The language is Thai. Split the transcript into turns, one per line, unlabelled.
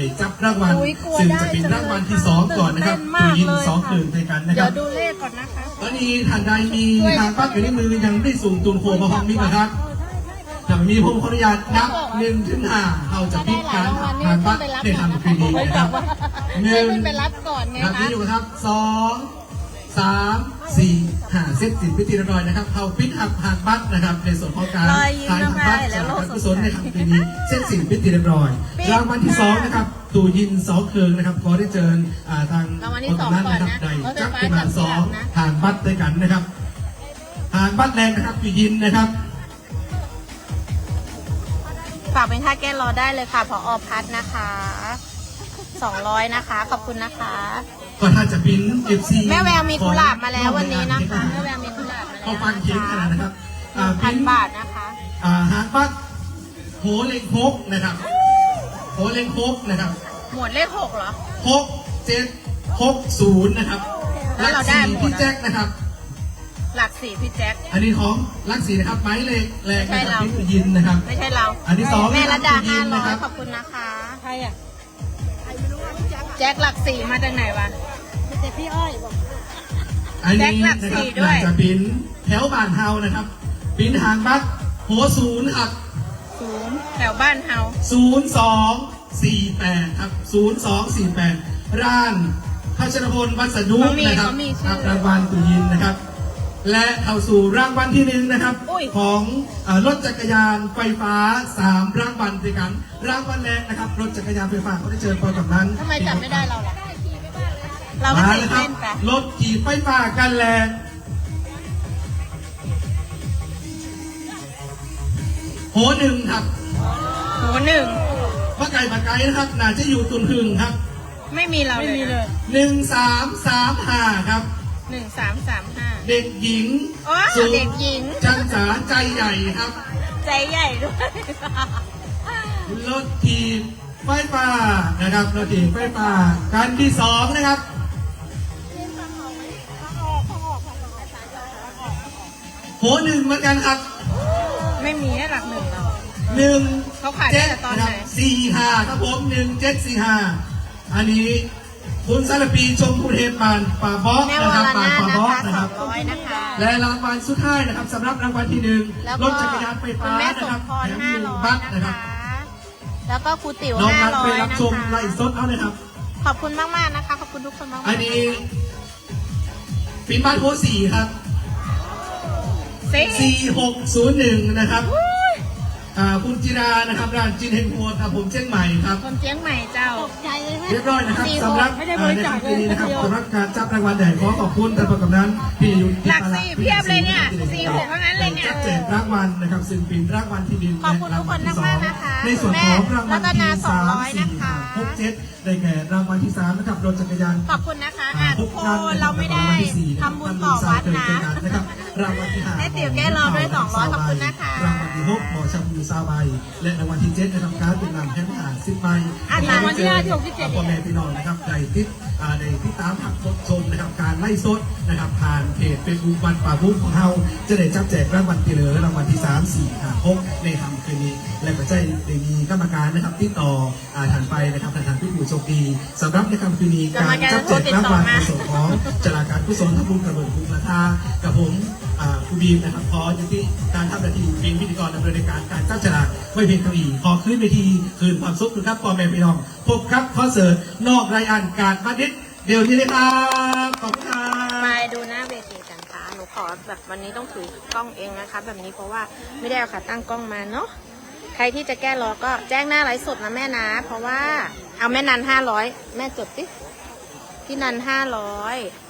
จับรางวัลซึ่งจะเป็นรางวัลที่2ก่อนนะครับคือยิน2คืนด้วยกันนะครับ
เดี๋ยวดูเลขก่อนนะคะ
ตอนนี้ท่านใดมีทางปั๊บอยู่ในมือยังได้สูงตุนโคมาห้องนี้นะครับถ้ามีผมขออนุญาตนับ1 ถึง 5เราจะพิจารณาทางปั๊บในทำคืนนี้นะครับ1
ไปรับก่อนไงคะ
นี่อยู่ครับ2 3 4 5เซตสินพิธีเรียบร้อยนะครับเขาพิจารณาทางปั๊บนะครับในส่วนของการทางปั๊บจากการกุศลในทำคืนนี้เซตสินพิธีเรียบร้อยรางวัลที่2นะครับตู่ยิน2 เคืองนะครับขอได้เชิญทางคนนั้นนะครับได้จับขึ้นมา2ทางบัตรด้วยกันนะครับทางบัตรแรงนะครับตู่ยินนะครับ
ฝากเป็นค่าแก้รอได้เลยค่ะผอ.พัฒนะคะ200นะคะขอบคุณนะคะ
ก็ถ้าจะปิ้น FC
แม่แววมีกุหลาบมาแล้ววันนี้นะคะแม่แววมีกุหลาบมาแล้ว
เขาฟังเคียงขนาดนะครับ
1,000 บาทนะคะ
หางบัตรโหเล็งโคกนะครับโหเล็งโคกนะครับ
หมวดเลข6เหรอ
6 7 6 0นะครับหลัก4พี่แจ็คนะครับ
หลัก4พี่แจ็ค
อันนี้ของหลัก4นะครับไม้เลขแรงนะครับพี่ยินนะครับ
ไม่ใช่เรา
อันที่2
แม่ระดา500ขอบคุณนะคะใครอ่ะแจ็คหลัก4มาจากไหนวะแต่พี่อ้อยบอก
อันนี้นะครับหลักจะปิ้นแถวบ้านเฮานะครับปิ้นหางบัตรโห0ครับ
0แถวบ้านเฮา
0248ครับ0248ร้านพัชรพลวัสดุนะครับรับรางวัลตุยินนะครับและเข้าสู่รางวัลที่1นะครับของรถจักรยานไฟฟ้า3รางวัลด้วยกันรางวัลแรกนะครับรถจักรยานไฟฟ้าเขาได้เชิญพอกับนั้น
ทำไมจับไม่ได้เราล่ะเราไม่ตื่นเต้นไป
รถขี่ไฟฟ้ากันแรงโห1ครับ
โห1
ป้าไก่ป้าไก่นะครับน่าจะอยู่ตุนหึงครับ
ไม่มีเราเลย
1335ครับ
1335
เด็กหญิง
เด็กหญิง
จันสาใจใหญ่ครับ
ใจใหญ่ด้วย
รถทีมไฟฟ้านะครับรถทีมไฟฟ้าการที่2นะครับโห1เหมือนกันครับ
ไม่มีให้หลัก1เรา
1
เขาขายได้แต่ตอนไหน
45ครับผม1745อันนี้คุณสารปีชมพูเทพบานป่าบอสนะครับป่าบอสนะครับและรางวัลสุดท้ายนะครับสำหรับรางวัลที่1รถจักรยานไฟฟ้านะครับแถม1บัตรนะครับ
แล้วก็ครูติ๋ว
500นะคะไปรับชมไลฟ์สดเอาเลยครับ
ขอบคุณมากๆนะคะขอบคุณทุกคนมากๆ
อันนี้ปิ้นบ้านโพ4ครับ4601นะครับคุณจิรานะครับร้านจินเฮงโฮครับผมเชียงใหม่ครับ
ผมเชียงใหม่เจ้า
เรียบร้อยนะครับสำหรับในครั้งนี้นะครับสำหรับการจับรางวัลใหญ่ขอขอบคุณท่านผู้กำนันพี่ยุทธ
หลัก4เพียบเลยเนี่ย46เท่านั้นเลยเนี่ย
แจกรางวัลนะครับซึ่งเป็นรางวัลที่1
ขอบคุณทุกคนมากๆนะคะ
ในส่วนของรางวัลที่3 4 6 7ได้แก่รางวัลที่3นะครับรถจักรยาน
ขอบคุณนะคะทุกคนเราไม่ได้ทำบุญต่อวัดนะ
รางวัลที่5
ให้ติ๋วแก้รอด้วย200ขอบคุณนะคะ
รางวัลที่6หมอชมพูซาใบและรางวัลที่7นะครับการเป็นนำแค่10 ใบ
รางวัลที่5ที่6ที่7
พ่อแม่พี่น้องนะครับได้ติดตามผักสดชมนะครับการไล่สดนะครับผ่านเพจเฟซบุ๊กวันป่าบุ้งของเราจะได้จับแจกรางวัลที่เหลือรางวัลที่3 4 5 6ในค่ำคืนนี้และก็จะได้มีกรรมการนะครับติดต่อถันไปนะครับทางผู้โชคดีสำหรับในค่ำคืนนี้การจับแจกรางวัลในส่วนของจราการกุศลทำบุญกระเบิดบุญราคากับผมครูบีมนะครับขอยุติการทำหน้าที่เป็นพิธีกรดำเนินการจับฉลากไม่เพียงเท่านี้ขอขึ้นเวทีคืนความสุขนะครับพ่อแม่พี่น้องพบครับคอนเสิร์ตนอกรายการการมาดิษเดี๋ยวนี้เลยครับขอบคุณครับ
ไปดูหน้าเวทีกันค่ะหนูขอแบบวันนี้ต้องถือกล้องเองนะคะแบบนี้เพราะว่าไม่ได้เอาขาตั้งกล้องมาเนาะใครที่จะแก้รอก็แจ้งหน้าไลฟ์สดนะแม่นะเพราะว่าเอาแม่นัน500แม่จดสิพี่นัน500